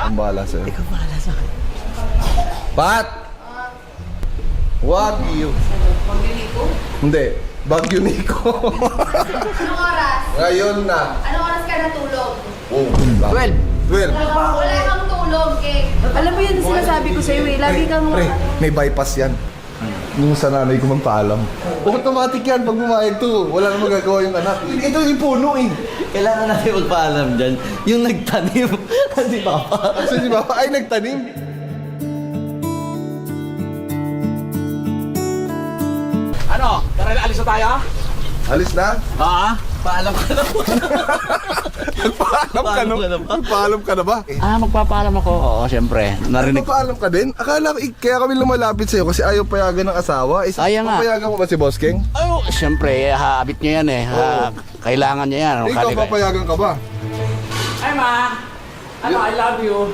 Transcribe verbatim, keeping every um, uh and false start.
Ang bahala sa'yo. Ikaw bahala sa akin. Pat! Wagyu. Bagyo Nico? Hindi. Bagyo Nico. Anong oras? Ngayon na. Anong oras ka natulog? Oh, twelve. twelve. Wala kang tulog, eh. Alam mo yun, sinasabi ko sa'yo eh. Lagi kang... Pre, may bypass yan. Yung sa nanay ko magpaalam. Automatic yan pag bumayag to. Wala na magagawa yung anak. Ito yung puno eh. Kailangan natin magpaalam dyan. Yung nagtanim. Di ba pa? Kasi di ba ay nagtanim. Ano? Tara, alis na tayo? Alis na? Ah, paalam ka na po. Nagpaalam ka na. Paalam ka na ba? Nagpaalam ka na ba? Ah, magpapaalam ako. Oo, syempre. Narinig. Nagpaalam ka din? Akala ko, eh, kaya kami lumalapit sa'yo kasi ayaw payagan ng asawa. Isa, Ayaw nga. papayagan mo ba si Boss King? Oh, syempre, habit niya yan eh. Ha, kailangan niya yan. Ikaw, Kali- papayagan ka ba? Ay, ma! Ano, I love you.